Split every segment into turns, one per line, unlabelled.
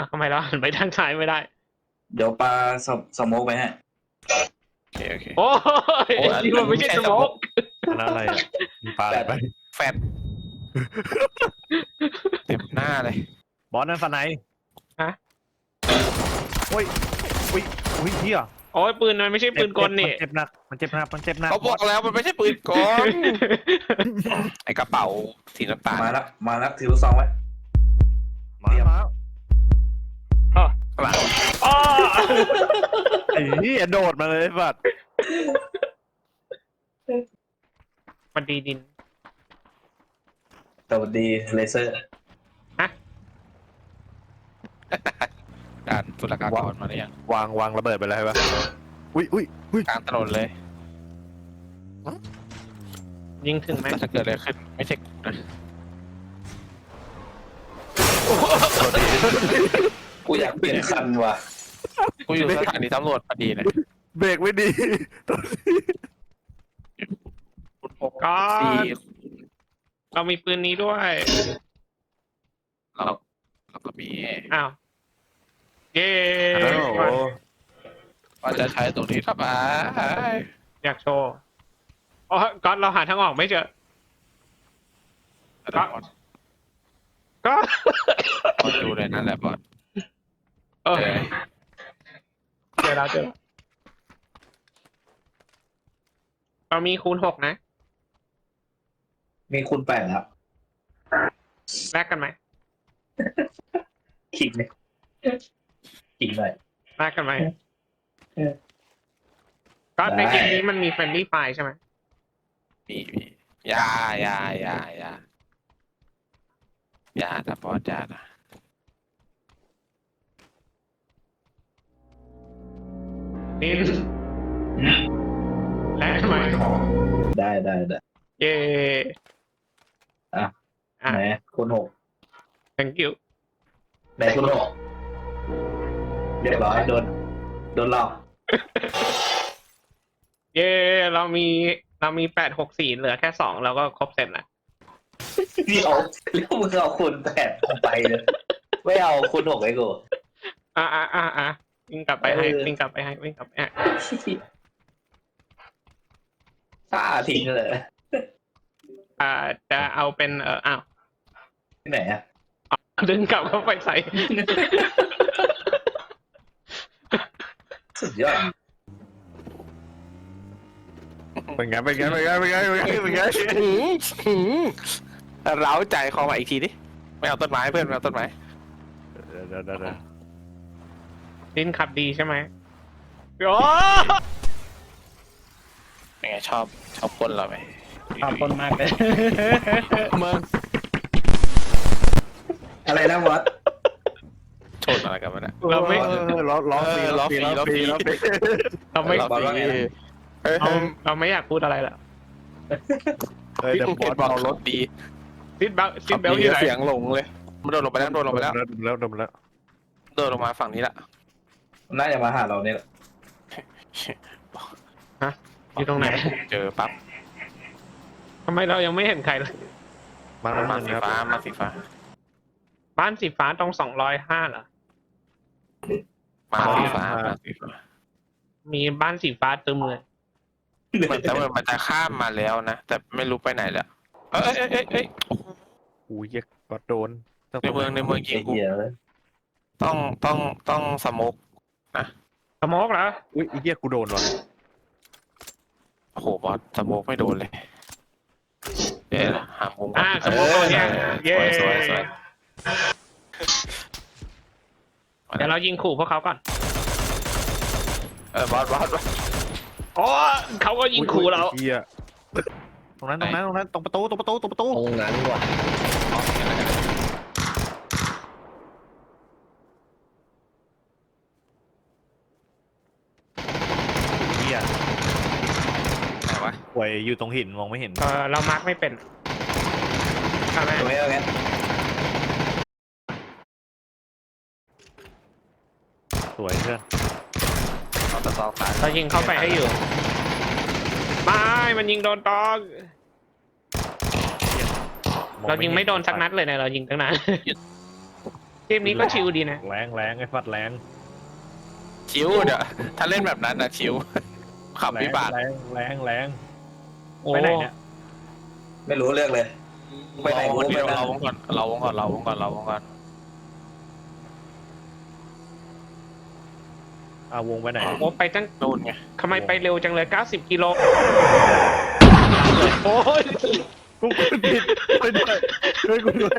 ทำไมเราหันไปทางซ้ายไม่ได้
เดี๋ยวปลาสโมกไปฮะ
โอเค
โอ้ยนี่มันไม่ใช่สโมก
อันนั้นอะไรปลาอะไรไป
แฟดเต็มหน้าเลย
บอสนั่นฟันไหน
ฮะ
โอ้ยเฮีย
โอ้ยปืนมันไม่ใช่ปืนกลนี่
มันเจ็บหนักมันเจ็บหนัก
เขาบอกแล้วมันไม่ใช่ปืนกลไอกระเป๋าสีน้ำตาล
มาแล้วถือลูกซองไว้
มา
หลัง
อ๋อ
ไอ้เหี้ยโดดมาเลยบัด
มันดีดิน
สวัสดีเลเซอร์
ด่านสุลกากรมาหรือยัง
วางระเบิดไปแล้วใช่ปะอุ้ย
กลางถนนเลย
ยิงถึงไหม
จะเกิดอะไรขึ้นไม่ใช่นะ
กูอยากเปลี่ยนคันว่ะ
กูอยู่สถานีตำรวจพอดีเลย
เบรกไม่ดี
ก็เรามีปืนนี้ด้วย
เราก็มี
อ้าวเย้
ว่าจะใช้ตรงนี้ทำไม
อยากโชว์อ๋อก๊อตเราหาทางออกไม่เจอก็
ดูเลยนั่นแหละบอส
เจอแล้วเรามีคูณ6นะ
มีคูณ8ครับ
แลกกันไหม
ขิงเลยขิงเลย
แลกกันไหมก็ในเกมนี้มันมีเฟรนลี่ไฟใช่ไหม
มียาแต่บอสยานะ
นินแลกไหม
ได้
เย่
ไหนคูณ6
thank you
ไหนคูณ6เรียบร้อยโดนหลอก
เย่เรามี864เหลือแค่2แล้วก็ครบเสร็จแล้ว
เดี๋ยวมึงเอาคูณ8ไปเลยไม่เอาคูณ6ไอ้กู
วิ่งกลับไปให้
ฆ่าทิ้งเลย
จะเอาเป็น
ที่ไหนอ่ะ
ดึงกลับเข้าไปใส่
สุดยอด
เป็นไง
เร้าใจคอมาอีกทีดิไม่เอาต้นไม้เพื่อนไม่เอาต้นไม้
เดี๋ยว
ดินขับดีใช่ไหมโอ้
เป็นไงชอบคนเราไหม
ชอบคนมากเลย
มึง
อะไรนะบอส
ชนอะไรกันวะเนี่ย
เราไม่
ล้อฟรี
เราไม่อยากพูดอะไรแล้ว
เดี๋ยวบอสเอารถ
ดี
ซิดเบลอยู่ไหน
เสียงหลงเลยมันโดนลงไปแล้วโดนลงมาฝั่งนี้ละ
น่าจะมาหาเราเนี่ยแหละ
อยู่ตรงไหน
เจอปั๊บ
ทำไมเรายังไม่เห็นใครเลย
มาสีฟ้าบ้านสี
ฟ้าตรง205เหรอ
มาสีฟ้า
มีบ้านสีฟ้าตึมเลย
เหมือนแต่มันจะข้ามมาแล้วนะแต่ไม่รู้ไปไหนแล้วเอ้ย
อุ้ยเยกโดน
ในเมืองยิงกูต้องสโมกนะ
สโมกเหรอ
อุ้ยเหี้ยกูโดนว่ะ
โอ้โหบอสสโมกไม่โดนเลยหามุม
สโมกเนี่ยเย้เดี๋ยวเรายิงขู่พวกเขาก่อน
บอส
อ๋อเขาก็ยิงขู่เรา
ตรงนั้นตรงประตูตรง
นั้นว่ะ
ป่วยอยู่ตรงหินมองไม่เห็น
เรามาร์กไม่เป็นทำไม
สวยเพื่อน
เรายิงเข้าไปให้อยู่ไม่มันยิงโดนตองเรายิงไม่โดนสักนัดเลยนะเรายิงตั้งนานกมนี้ก็ชิลดีนะ
แรงแรงไอ้ฟัดแรง
ชิวเดี๋ยวถ้าเล่นแบบนั้นนะชิวขับวิบาก
แรงแรงแรง
โอ้
ไปไหนเนี่ย
ไม่รู้เรื่องเลยไปไหน
เรา
กูไม่
เรา
ได้
วงก่อนเราวงก่อนเราวงก่อนเราวงก่อน
เอาวงไปไหน
โอ้ไปตั้ง
นู่นไง
ทำไมไปเร็วจังเลย90กิโลโอ้ย
กูกดผิดช่วยด้วยช่วยกูด้วย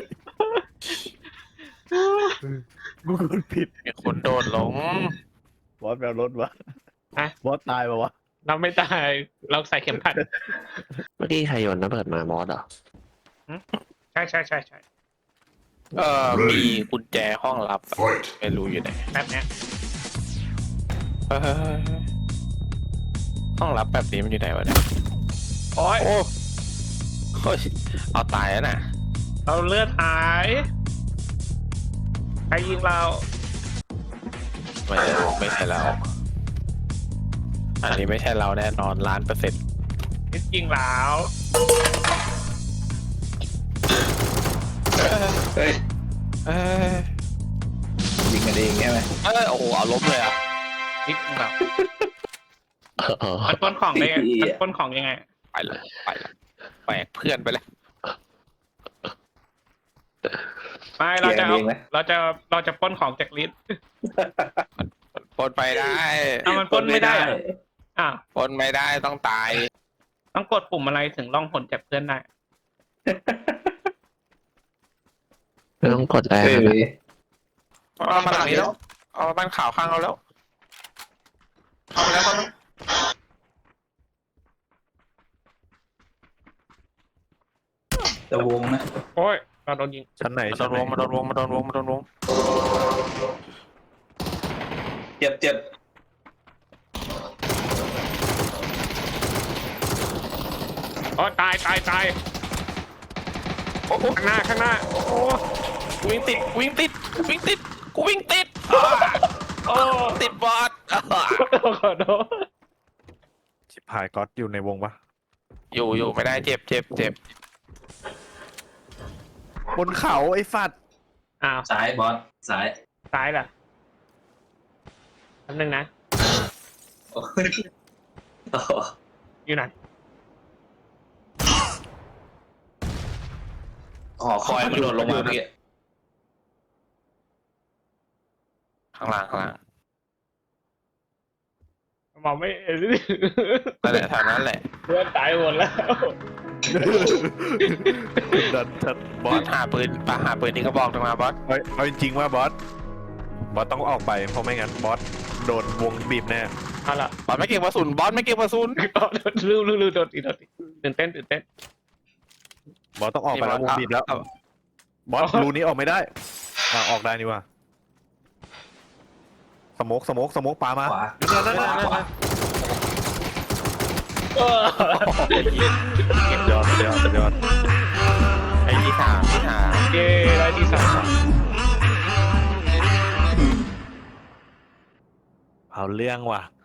กูกดผิด
มีคนโดดลง
บอสแปลรถวะ
ฮะ
บอสตายปะวะ
เราไม่ตายเราใส่เข็มขัด
เมื่อกี้ใครโยนระเบิดมาบอสเหรอ
ใช่ใช่ใช่ใช่
มีกุญแจห้องลับอะไม่รู้อยู่ไหน
แบบเนี้ย
เฮ้ยห้องลับแบบนี้มันอยู่ไหนวะเนี่ย
โอ้ย
โอ้เฮ้ยเอาตายแล้วนะ
เราเลือดหายใครยิงเรา
ไม่ใช่เราอันนี้ไม่ใช่เราแน่นอน1,000,000%
ยิงเรา
เฮ้ย
เอ้ย
ยิงกันเองใช่ไหม
โอ้โหเอาล้มเลยอ่ะ
ยิงเรา
เออ
มันปล้นของได้ไงมันปล้นของยังไง
ไปละแบกเพื่อนไปเลย
ไม่เราจะปล้นของจากลิสต์
ปนไปได้
เอามันปล้นไม่ได้เหรออ่ะ
ปนไม่ได้ต้องตาย
ต้องกดปุ่มอะไรถึงล่องหนจากเพื่อนได้
ไม่ต้องกดแรง
เฮ้ย
นะ
เอามาหลังนี้แล้วเอามาบ้านข่าวข้างเราแล้วเข้าไปแล้วเข้าไปแล้ว
จะวงนะ
โอ้ยเราโดนยิง
ชั้นไหน
มาโด
ชั้น
น
ไหน
วงมาโดนวงมาโดนวงมาโดนวง
เจ็บเจ็บ
โอ้ตาย
โอ้โห
ข้างหน้าโอ้
วิ่งติดกูวิ่งติดกูวิ่งติด
โอ้
ติดบอส
ขอโทษ
ชิบหายก๊อตอยู่ในวงปะ
อยู่ไม่ได้เจ็บ
บนเขาไอ้ฟัด
อ้าว
ซ้ายบอสซ้าย
ซ้ายล่ะแป๊บนึงนะ
โอ้ยโอ้โห
อยู่ไหน
หอคอยมันโดดลงมาเมื่อกี้
ข้างล่าง
มองไม่เห็น
นั่นแหละแถวนั้นแหละ
เพื่อนตายหมดแล้ว
ดันชัดบบ อ
อ
ส
สหาปืนนี่ก็บอกตรงมาบอส
เอาจริงๆว่าบอสต้องออกไปเพราะไม่งั้นบอสโดนวงบีบแน่
เอาล่ะ
บอสไม่เก็บกระสุน
ลืมโดนอีกตื่นเต้น
บอสต้องออกไปแล้ววงบีบแล้วบอสรูนี้ออกไม่ได้ออกได้นี่ว่าสโมกปามา
ขวา
นั่น
เออ
ยอด
ไอ้ที่สาม
เย้ได้ที่สาม
เอาเรื่องว่ะ